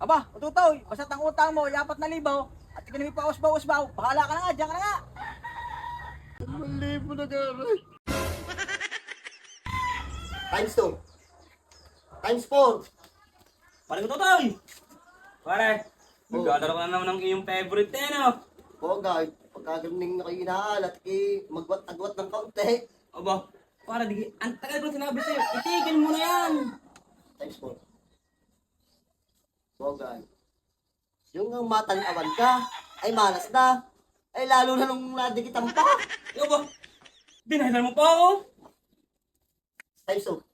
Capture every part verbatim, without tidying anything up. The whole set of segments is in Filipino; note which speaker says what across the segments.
Speaker 1: Aba, ututoy, basta't ang utang mo, yapat na libaw, at ikaw may pausbaw-usbaw, bahala ka na nga, diyan ka na nga.
Speaker 2: Dalawang libo na gano'n. Times two. Times four.
Speaker 3: Pare ko Totoy! Pare,
Speaker 2: Oh.
Speaker 3: maglalaro ka na naman ng iyong favorite eh, no?
Speaker 2: Oo, guys. Pagka galing na kayo inaalat, eh, magwat-agwat ng kaunti.
Speaker 3: Aba, pare, di, ang tagal ko sinabi sa'yo, itigil mo na yan!
Speaker 2: Times four. Oo, guys. Yung ang matanawan ka, ay malas na. Ay, lalo na nung nadikitan pa.
Speaker 3: Aba, dinahilan mo pa ako?
Speaker 2: Times two.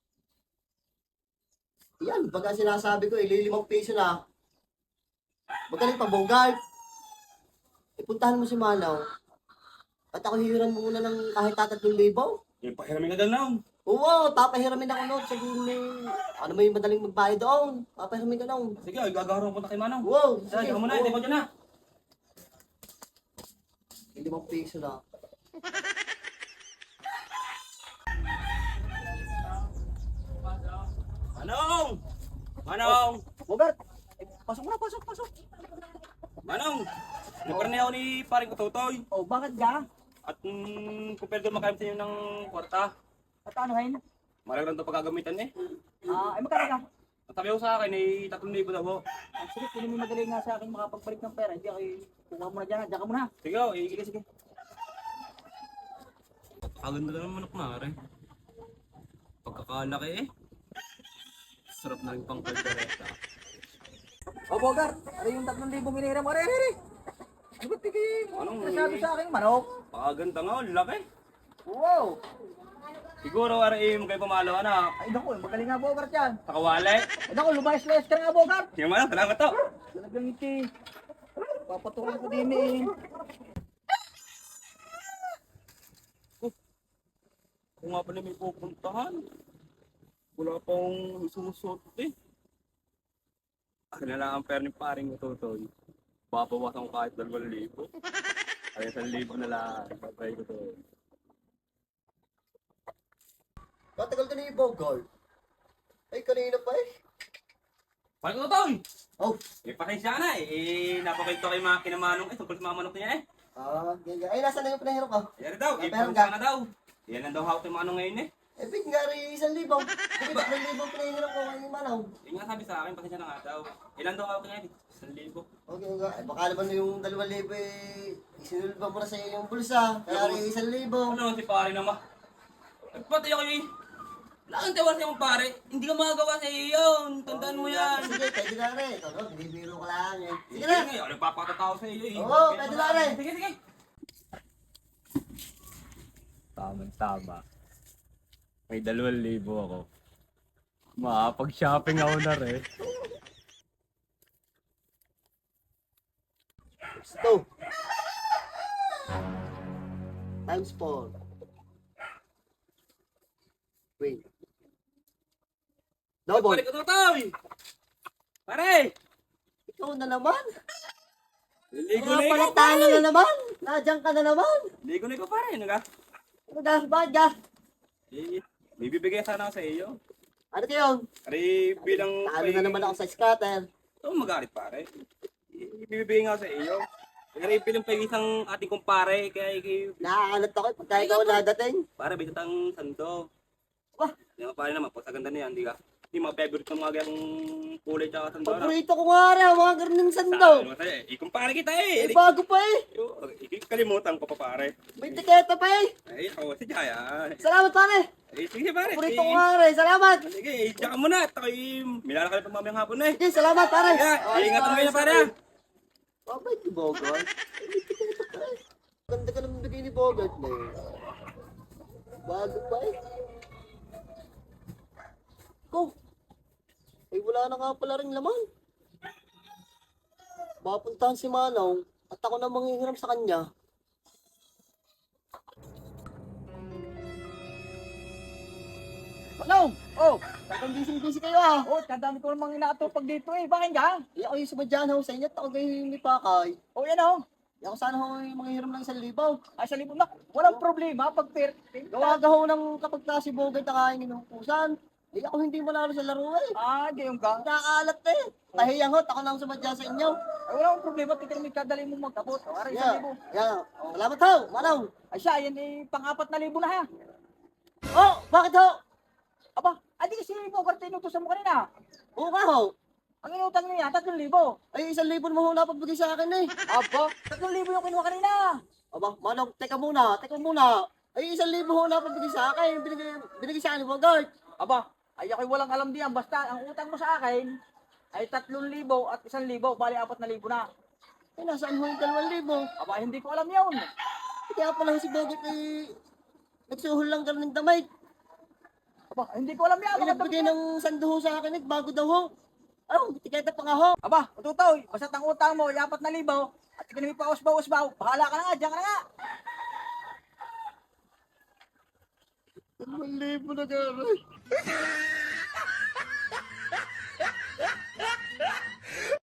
Speaker 2: Yan, baga sinasabi ko, ililimang piso na. Magaling pa, Bogart. Ipuntahan mo si Manaw. At ako hihiram muna ng kahit tatlong libo.
Speaker 3: Yung pahiramin ka daw na.
Speaker 2: Oo, papahiramin ako noon. Sabihin mo, ano may madaling magbayad doon. Papahiramin ka noon.
Speaker 3: Sige, ay gagawin ko na kay Manong.
Speaker 2: Wow,
Speaker 3: Sige, ako muna, hindi ko dyan na.
Speaker 2: Limang piso na.
Speaker 3: Manong! Manong!
Speaker 1: Bogart, eh, pasok na, pasok, pasok.
Speaker 3: Manong! Naparni ako ni paring ko Totoy.
Speaker 1: Oh, bakit ka?
Speaker 3: At mm, kung pwede makayam sa inyo ng kwarta,
Speaker 1: At ano ngayon?
Speaker 3: malagang ito pagkagamitan eh.
Speaker 1: Ah, ay magkano ka?
Speaker 3: At sabi ko sa akin ay tatlong libo daw ho.
Speaker 1: Ah, sige, kung may madali nga sa akin makapagbalik ng pera, hindi ako, kuha mo na dyan, dyan ka muna.
Speaker 3: Sige, oh, eh, sige, sige. Kaganda na naman manok na rin. Pagkakalaki eh. Sarap na rin pang kaldereta.
Speaker 1: Oh, Bogart, ano yung tatlong libong hinihiram mo? Are, are, are. Ano ba tigil?
Speaker 3: Anong
Speaker 1: Nasabi sa akin, manok?
Speaker 3: Paganda nga, ang laki.
Speaker 1: Wow!
Speaker 3: Siguro, R M, kayo pumalo anak.
Speaker 1: Ay, naku, magaling nga, Bogart yan.
Speaker 3: Sa kawali.
Speaker 1: Ay, naku, lumayas-layas ka na nga, Bogart.
Speaker 3: Sige man, salamat to.
Speaker 1: Talagang iti. Papatuloy ko din eh.
Speaker 3: Kung nga pala may pupuntahan. Wala pang sumusot eh. Akin na lang ang pera ni paring Totoy. Babawasan ko kahit dalawang libo. Ay, isang libo na lang. Babay ko to.
Speaker 2: Katagal ka na yung Bogart. Ay, kanina pa eh.
Speaker 3: Paring ko Totoy!
Speaker 2: Oh,
Speaker 3: Eh, pasensya ka na eh. Eh, napakita kay mga kinamanong eh. Tungkol sa mga manok niya eh.
Speaker 2: ah, ganyan. Ay, nasa na yung pinahirap ka?
Speaker 3: Yan daw,
Speaker 2: Ah,
Speaker 3: eh,
Speaker 2: meron
Speaker 3: pasensya
Speaker 2: ka?
Speaker 3: ka na daw. Yan ang daw hawak ng manong ngayon eh.
Speaker 2: Eh, big nga rin isang libo. Sige, tatlong libo pinahirap ko kay Manaw.
Speaker 3: Yung nga sabi sa akin, pasensya na nga daw. Ilan daw hawak ngayon? Isang libo.
Speaker 2: Okay, okay. Ay, baka naman yung dalawang libo eh, isinulba mo na sa iyo yung bulsa. Kaya rin isang libo.
Speaker 3: Ano naman si pare naman? Nagpatay ako eh. Wala kang tawa sa iyong pare. Hindi ka magagawa sa iyo yun. Tandaan mo yan.
Speaker 2: Sige, pwede na rin. Ito, no, binibiro ko lang eh. Sige
Speaker 3: Sige
Speaker 2: na.
Speaker 3: na. Ano papakatao sa iyo eh.
Speaker 2: Oo, pwede na rin.
Speaker 3: Sige, sige. Tamang tama. May dalawang libo ako. Makapag-shopping ako na rin.
Speaker 2: Two. Times four. Wait. Double.
Speaker 3: Pare ko Totoy! Pare!
Speaker 2: Ikaw na naman.
Speaker 3: Ligo
Speaker 2: Mga
Speaker 3: na ikaw
Speaker 2: palatalo
Speaker 3: pare!
Speaker 2: na naman. Nadyan ka na naman.
Speaker 3: Ligo na ikaw pare. Ano ka?
Speaker 2: Ano ka? Bakit ka?
Speaker 3: Eh, may bibigay sana ako sa iyo.
Speaker 2: Ano kayo?
Speaker 3: Pare bilang...
Speaker 2: Talo na naman ako sa scatter.
Speaker 3: Oo, magalit pare. Ibibigay nga sa iyo. Pare bilang pa isang ating kumpare. Kaya kay...
Speaker 2: Nakakalat ako eh, pagka ikaw nadating.
Speaker 3: Pare, may tatang sando.
Speaker 2: Wah,
Speaker 3: Di ba pare naman, pag sa ganda na yan, di ka? Di mga favorite ng mga ganyang kulay tsaka sando. na.
Speaker 2: paborito ko nga rin, mga ganun sando.
Speaker 3: Sabi mo sa'yo, eh, ikumpare kita eh.
Speaker 2: Eh, bago pa eh.
Speaker 3: Yo, ikikalimutan ko pa pare.
Speaker 2: May tiketa pa eh.
Speaker 3: Ay, ako si Jaya.
Speaker 2: Salamat pare.
Speaker 3: Eh, sige pare.
Speaker 2: Paborito ko
Speaker 3: sige.
Speaker 2: nga rin. Salamat.
Speaker 3: Sige, eh, tsaka muna. At ako'y milalakal pa mamayang hapon na eh.
Speaker 2: Sige, salamat pare.
Speaker 3: Kaya,
Speaker 2: Ayos
Speaker 3: ingatan mo
Speaker 2: na,
Speaker 3: kayo na
Speaker 2: ayos
Speaker 3: pare
Speaker 2: na.
Speaker 3: ah.
Speaker 2: Babay ni Bogart. Eh, may tiketa pa eh. Ganda ka naman bigay ni Bogart na eh. Bago pa eh. Go. Ay, wala na nga pala rin laman. Mapuntahan si Manaw at ako na manghihiram sa kanya.
Speaker 1: Manong! Oh!
Speaker 2: Talagang busy-busy kayo ah.
Speaker 1: Oh, kadami ko namang inaatupag dito eh. Bakit ka?
Speaker 2: Eh, ako yung sumadyahan ho sa inyo at ako kayo yung may pakay.
Speaker 1: Oh, yan oh.
Speaker 2: Eh, ako sana ho yung manghihiram ng isang libaw.
Speaker 1: Ay, sa libon na. Walang problema. Pag per...
Speaker 2: Gawaga ho ng kapag na si Bogart na kain ng pusan. Eh ako hindi manalo sa laro eh.
Speaker 1: Ah, gayon ka.
Speaker 2: Nakakalat eh. Kahiyang hot, ako lang sumadya sa inyo.
Speaker 1: Ay, wala akong problema. Tika may kadali mo magkabot. O, aray, isang
Speaker 2: Yeah,
Speaker 1: libo.
Speaker 2: yeah. Salamat ho, Manaw.
Speaker 1: Ay siya, yan eh, pang-apat na libo na ha.
Speaker 2: Oh, bakit ho?
Speaker 1: Aba, adi kasi Bogart inutusan mo kanina.
Speaker 2: Oo nga ho.
Speaker 1: Ang inutang niya, tatlong libo.
Speaker 2: Ay, isang libo mo ho napagbigay sa akin eh.
Speaker 1: Aba, tatlong libo yung kinuha kanina.
Speaker 2: Aba, Manaw, teka muna, teka muna. Ay, isang libo ho napagbigay sa akin. Binigay, binigay sa akin ni Bogart.
Speaker 1: Aba, ay ako'y walang alam diyan. Basta, ang utang mo sa akin ay tatlong libo at isang libo. Bali, apat na libo na.
Speaker 2: Eh, nasaan ho yung dalawang libo?
Speaker 1: Aba, hindi ko alam yun.
Speaker 2: Kaya pala si Bogart eh, nagsuhol lang ka ng damay.
Speaker 1: Aba, hindi ko alam yan.
Speaker 2: Ay, nagbigay ng sando ho sa akin eh, bago daw ho. Oh, tiketa pa nga ho.
Speaker 1: Aba, ututoy, basta ang utang mo ay apat na libo at ikinami pa usbaw-usbaw. Bahala ka na nga, diyan ka na nga.
Speaker 2: Dalawang libo na gano'n.